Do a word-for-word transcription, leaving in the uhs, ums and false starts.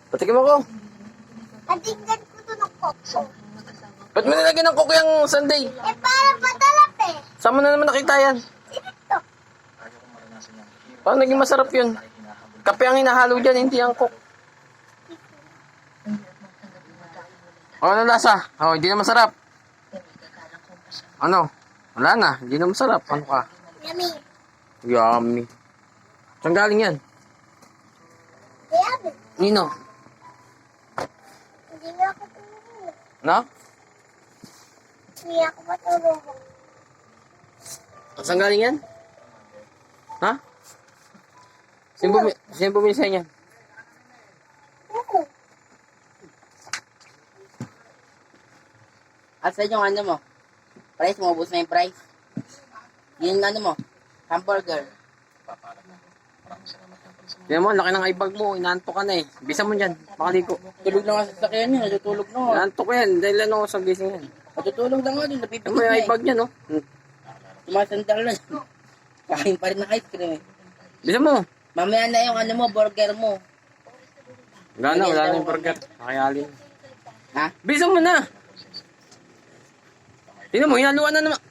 Patikim ako. Katinggan ko to ng kokso. Ba't mo nilagyan ng coke yung sundae? Eh, parang patalap eh. Saan mo na naman nakita yan? Sino to? Paano naging masarap yun? Kape ang hinahalo dyan, hindi ang coke. O, ano lasa? O, hindi na masarap. Ano? Wala na, hindi na masarap. Ano ka? Yummy. Yummy. Saan galing yan? Yummy. Nino? Hindi nga ako tulungan. No? Hindi ako matulungan. Saan galing yan? Ha? Sino bumi sino bumili sa inyo? Oo. At sa yung ano mo? Price mo, ubus na yung price. Yung ano mo? Hamburger. Tignan mo, laki ng eye bag mo. Inaantok ka na eh. Bisa mo dyan. Makaligo. Tulog na nga sa sakyan niya. Natutulog na nga. Inaantok ko yan. Dahil ano sa gising yan. Natutulog na nga din. Ano Napipigil mo yung na eye eh. bag niya, no? Hmm. Tumasandal na. Kain pa rin ng ice cream eh. Bisa mo. Mamaya na yung ano mo, burger mo. Wala na, wala na yung burger. Nakayalin. Ha? Bisa mo na. Tignan mo, hinaluan na naman.